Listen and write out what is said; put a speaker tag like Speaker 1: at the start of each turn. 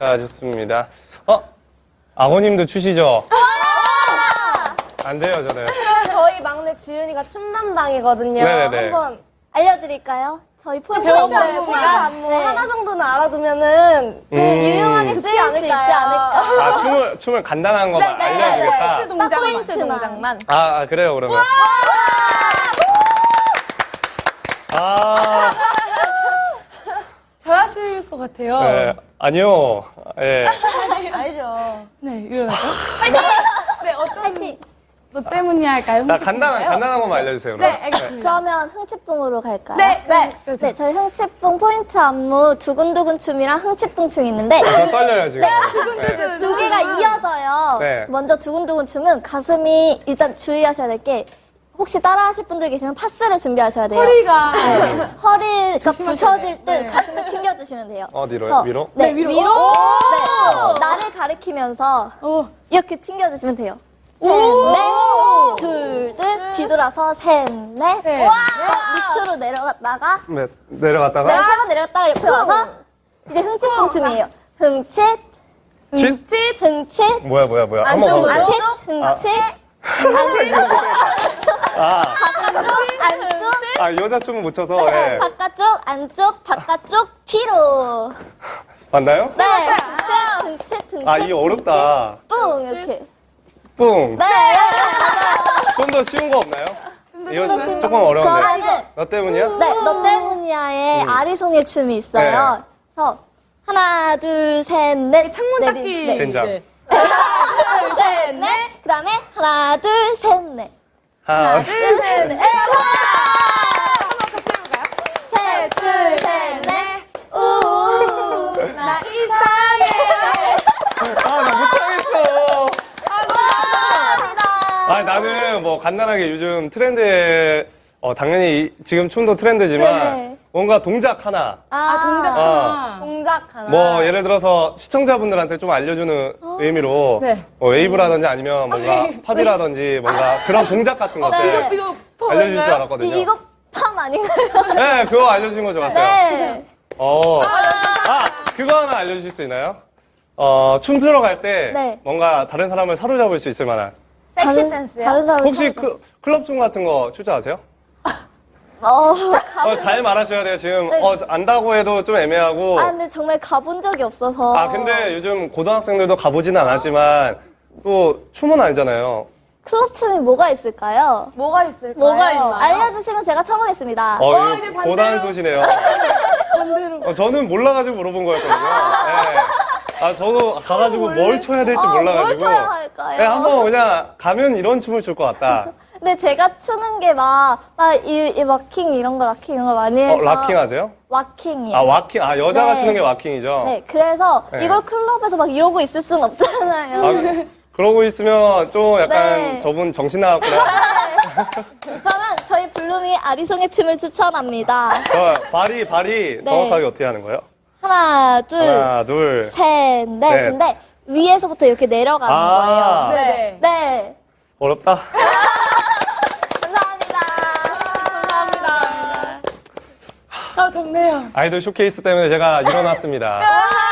Speaker 1: 자, 좋습니다. 아버님도 추시죠? 안 돼요, 저는.
Speaker 2: 저희 막내 지윤이가 춤 담당이거든요.
Speaker 1: 네네네.
Speaker 2: 한번
Speaker 3: 알려드릴까요? 저희 포인트
Speaker 2: 배워보는
Speaker 3: 안무
Speaker 2: 시간 하나 정도는 알아두면은
Speaker 3: 유용하게
Speaker 2: 좋지
Speaker 3: 쓰일 수 있지 않을까.
Speaker 1: 아, 춤을 간단한 거만 알려주겠다.
Speaker 2: 포인트
Speaker 3: 딱
Speaker 2: 동작만.
Speaker 3: 포인트만.
Speaker 1: 그래요, 그러면.
Speaker 4: 잘하실 것 같아요.
Speaker 1: 네, 아니요. 예.
Speaker 2: 알죠.
Speaker 4: 네, 일어나죠. 네,
Speaker 3: 파이팅!
Speaker 4: 너 때문이야 할까요?
Speaker 1: 나
Speaker 4: 흥칫뿡인가요?
Speaker 1: 간단한 것만 알려주세요,
Speaker 4: 네,
Speaker 1: 그럼.
Speaker 4: 알겠습니다.
Speaker 3: 그러면 흥칫뿡으로 갈까요?
Speaker 4: 네. 그렇죠.
Speaker 3: 네, 저희 흥칫뿡 포인트 안무 두근두근 춤이랑 흥칫뿡 춤이 있는데
Speaker 1: 저 떨려요, 지금. 네.
Speaker 3: 두 개가 이어져요.
Speaker 1: 네.
Speaker 3: 먼저 두근두근 춤은 가슴이 일단 주의하셔야 될 게 혹시 따라하실 분들 계시면 파스를 준비하셔야 돼요.
Speaker 4: 허리가
Speaker 3: 허리가 부셔질 듯
Speaker 4: 네.
Speaker 3: 가슴을 튕겨주시면 돼요.
Speaker 1: 어디로요?
Speaker 3: 그래서
Speaker 1: 위로?
Speaker 3: 네,
Speaker 4: 네, 위로.
Speaker 3: 위로.
Speaker 4: 오!
Speaker 3: 네, 나를 가리키면서
Speaker 4: 오.
Speaker 3: 이렇게 튕겨주시면 돼요. 셋,
Speaker 4: 오!
Speaker 3: 넷, 둘, 셋, 뒤돌아서 셋, 넷.
Speaker 4: 네.
Speaker 3: 밑으로 내려갔다가
Speaker 1: 네, 내려갔다가.
Speaker 3: 내가 세 번 내려갔다가 옆에 와서 이제 흥칫뿡 춤이에요. 흥칫,
Speaker 1: 칫?
Speaker 3: 흥칫,
Speaker 1: 뭐야. 한번
Speaker 4: 안쪽으로.
Speaker 1: 가볼게요.
Speaker 3: 흥칫, 흥칫, 바깥쪽, 안쪽,
Speaker 1: 여자 춤은 못 춰서, 예.
Speaker 3: 바깥쪽, 안쪽, 바깥쪽, 뒤로.
Speaker 1: 맞나요?
Speaker 3: 네, 흥칫, 흥칫,
Speaker 1: 이게 어렵다.
Speaker 3: 뿡 이렇게.
Speaker 1: 뿡.
Speaker 3: 네,
Speaker 1: 좀 더 쉬운 거 없나요? 이거
Speaker 3: 더 쉬운
Speaker 1: 조금 어려운데.
Speaker 3: 그러면은
Speaker 1: 너 때문이야?
Speaker 3: 네, 너 때문이야의 아리송이 춤이 있어요.
Speaker 1: 네.
Speaker 3: 그래서 하나, 둘, 셋, 넷.
Speaker 4: 창문
Speaker 3: 내리-
Speaker 4: 닦기.
Speaker 3: 네.
Speaker 1: 된장.
Speaker 4: 네.
Speaker 3: 하나, 둘, 셋, 넷. 그 다음에 하나, 둘, 셋, 넷.
Speaker 1: 하나,
Speaker 3: 둘, 셋, 넷. 셋, 둘, 셋, 넷. 우, 나 이상해.
Speaker 1: 나 못하겠어.
Speaker 3: 감사합니다.
Speaker 1: 나는 뭐 간단하게 요즘 트렌드에, 당연히 지금 춤도 트렌드지만,
Speaker 3: 네.
Speaker 1: 뭔가 동작 하나.
Speaker 4: 동작 하나.
Speaker 2: 동작 하나.
Speaker 1: 뭐, 예를 들어서 시청자분들한테 좀 알려주는 의미로,
Speaker 4: 네.
Speaker 1: 웨이브라든지 아니면 뭔가 팝이라든지 뭔가 그런 동작 같은 것들
Speaker 3: 네.
Speaker 4: 이거
Speaker 1: 알려줄 줄
Speaker 4: 포인가요?
Speaker 1: 알았거든요.
Speaker 3: 이거 팜 아닌가요?
Speaker 1: 네, 그거 알려주신 거 좋았어요.
Speaker 3: 네.
Speaker 1: 그거 하나 알려주실 수 있나요? 춤추러 갈 때
Speaker 3: 네.
Speaker 1: 뭔가 다른 사람을 사로잡을 수 있을 만한.
Speaker 2: 섹시 댄스요?
Speaker 3: 다른 사람
Speaker 1: 혹시 클럽 춤 같은 거 출제 아세요? 잘 말하셔야 돼요. 지금
Speaker 3: 네.
Speaker 1: 안다고 해도 좀 애매하고.
Speaker 3: 근데 정말 가본 적이 없어서.
Speaker 1: 근데 요즘 고등학생들도 가보지는 않았지만 또 춤은 알잖아요.
Speaker 3: 클럽 춤이 뭐가 있을까요?
Speaker 2: 뭐가 있을까요?
Speaker 4: 뭐가 있나요?
Speaker 3: 알려주시면 제가 쳐보겠습니다.
Speaker 1: 이거
Speaker 4: 이제 반대로.
Speaker 1: 고단수시네요. 저는 몰라가지고 물어본 거였거든요. 네. 저도 가가지고 뭘 춰야 될지 몰라가지고.
Speaker 3: 뭘 쳐야 할까요?
Speaker 1: 네, 한번 그냥 가면 이런 춤을 출 것 같다.
Speaker 3: 근데 제가 추는 게 이 왁킹 이런 거 락킹 이런 거 많이 해서.
Speaker 1: 락킹 하세요?
Speaker 3: 왁킹이에요.
Speaker 1: 와킹. 여자가
Speaker 3: 네.
Speaker 1: 추는 게 와킹이죠?
Speaker 3: 네, 그래서
Speaker 1: 네.
Speaker 3: 이걸 클럽에서 막 이러고 있을 순 없잖아요.
Speaker 1: 그러고 있으면 좀 약간
Speaker 3: 네.
Speaker 1: 저분 정신 나갔구나.
Speaker 3: 그러면 저희 블루미 아리송의 춤을 추천합니다.
Speaker 1: 발이
Speaker 3: 네.
Speaker 1: 정확하게 어떻게 하는 거예요?
Speaker 3: 하나, 둘,
Speaker 1: 하나, 둘.
Speaker 3: 셋, 넷인데 위에서부터 이렇게 내려가는 거예요.
Speaker 4: 네.
Speaker 3: 네.
Speaker 1: 어렵다.
Speaker 3: 감사합니다.
Speaker 4: 덥네요.
Speaker 1: 아이돌 쇼케이스 때문에 제가 일어났습니다.